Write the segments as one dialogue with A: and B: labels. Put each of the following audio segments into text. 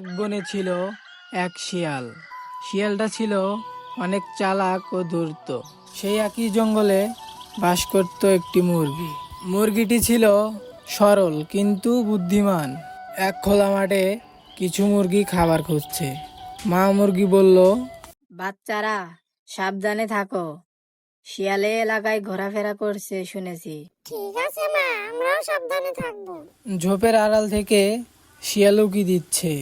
A: এক বনে ছিল এক শিয়াল। শিয়ালটা ছিল অনেক চালাক ও ধূর্ত। সেই একই জঙ্গলে বাস করত একটি মুরগি। মুরগিটি ছিল সরল কিন্তু বুদ্ধিমান। এক খোলা মাঠে কিছু মুরগি খাবার খুঁজছে। মা মুরগি বলল,
B: বাচ্চারা সাবধানে থাকো, শিয়ালে এলাকায় ঘোরাফেরা করছে শুনেছি।
C: ঠিক আছে মা, আমরাও সাবধানে থাকবো।
A: ঝোপের আড়াল থেকে শিয়াল উকি দিচ্ছে।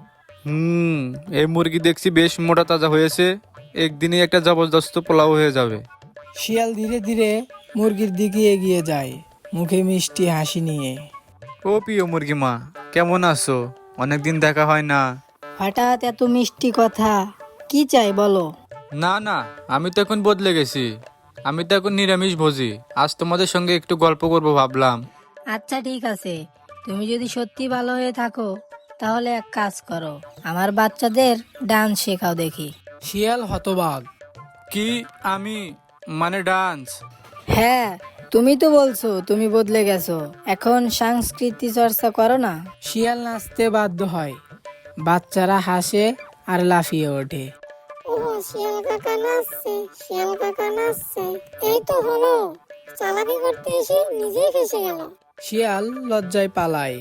D: এই মুরগি দেখছি বেশ মোটা তাজা হয়েছে, একদিনে একটা জবরদস্ত পোলাও হয়ে যাবে।
A: শিয়াল ধীরে ধীরে মুরগির দিকে এগিয়ে যায়, মুখে মিষ্টি হাসি নিয়ে।
D: ও প্রিয় মুরগি মা, কেমন আছো? অনেকদিন দেখা হয় না।
B: হঠাৎ এত মিষ্টি কথা, কি চাই বলো?
D: না না, আমি তো এখন বদলে গেছি। আমি তো এখন নিরামিষ ভোজি। আজ তোমাদের সঙ্গে একটু গল্প করব ভাবলাম।
B: আচ্ছা ঠিক আছে, তুমি যদি সত্যি ভালো হয়ে থাকো তাহলে এক কাজ করো, আমার বাচ্চাদের ডান্স শেখাও দেখি।
A: শিয়াল হতবাক।
D: কি? আমি মানে ডান্স?
B: হ্যাঁ, তুমি তো বলছো তুমি বদলে গেছো, এখন সংস্কৃতি চর্চা করো না।
A: শিয়াল নাচতে বাধ্য হয়। বাচ্চারা হাসে আর লাফিয়ে ওঠে।
C: ও শিয়াল কাকা নাচছে, শিয়াল কাকা নাচছে। এই তো হলো, চালাকি করতে এসে নিজেই ফেসে গেল।
A: শিয়াল লজ্জায় পালায়।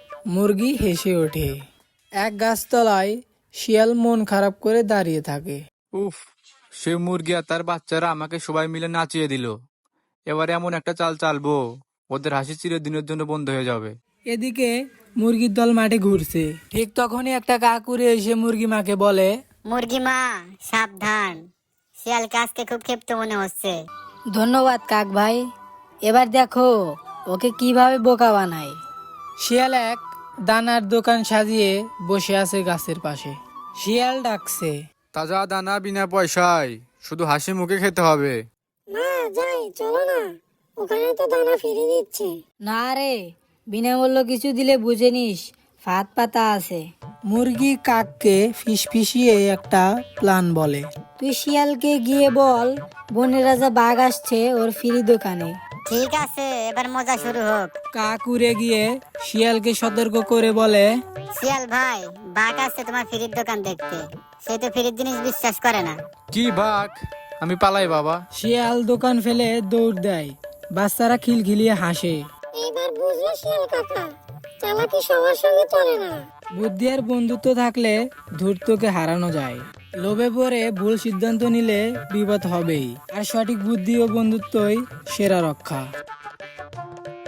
A: মুরগি হেসে ওঠে। এক গাছতলায় শিয়াল মন খারাপ করে দাঁড়িয়ে থাকে।
D: উফ, সে মুরগি আর তার বাচ্চারা আমাকে সবাই মিলে নাচিয়ে দিল। এবারে এমন একটা চাল চালবো, ওদের হাসি চিরদিনের জন্য বন্ধ হয়ে যাবে।
A: এদিকে মুরগির দল মাঠে ঘুরছে। ঠিক তখনই একটা কাক উড়ে এসে মুরগি মাকে বলে,
E: মুরগি মা সাবধান, শিয়ালকে আজকে খুব ক্ষিপ্ত মনে হচ্ছে।
B: ধন্যবাদ কাক ভাই, এবার দেখো ওকে কিভাবে বোকা বানাই।
A: শিয়াল এক দানার দোকান সাজিয়ে বসে আছে গাছের পাশে। শিয়াল ডাকছে,
D: তাজা দানা বিনা পয়সায়, শুধু হাসি মুখে খেতে হবে।
C: মা যাই, চলো না, ওখানে তো দানা ফিরে দিচ্ছে।
B: না রে, বিনামূল্য কিছু দিলে বুঝে নিস ফাঁদ পাতা আছে।
A: মুরগি কাককে ফিসফিসিয়ে একটা প্ল্যান বলে।
B: তুই শিয়ালকে গিয়ে বল বনের রাজা বাঘ আসছে ওর ফ্রি দোকানে।
E: ঠিক আছে, এবার মজা শুরু হোক।
A: কাক উড়ে গিয়ে শিয়ালকে সতর্ক করে বলে,
E: শিয়াল ভাই, বাঘ আসছে তোমার ফ্রির দোকান দেখতে, সে তো ফ্রির জিনিস বিশ্বাস করে না।
D: কি বাঘ? আমি পালাই বাবা।
A: শিয়াল দোকান ফেলে দৌড় দেয়। বাচ্চারা খিলখিলিয়ে হাসে।
C: এইবার বুঝলে শিয়াল কাকা, চালাকি সবার সঙ্গে চলে না।
A: বুদ্ধি আর বন্ধুত্ব থাকলে ধূর্তকে হারানো যায়। লোভে পড়ে ভুল সিদ্ধান্ত নিলে বিপদ হবেই, আর সঠিক বুদ্ধি ও বন্ধুত্বই সেরা রক্ষা।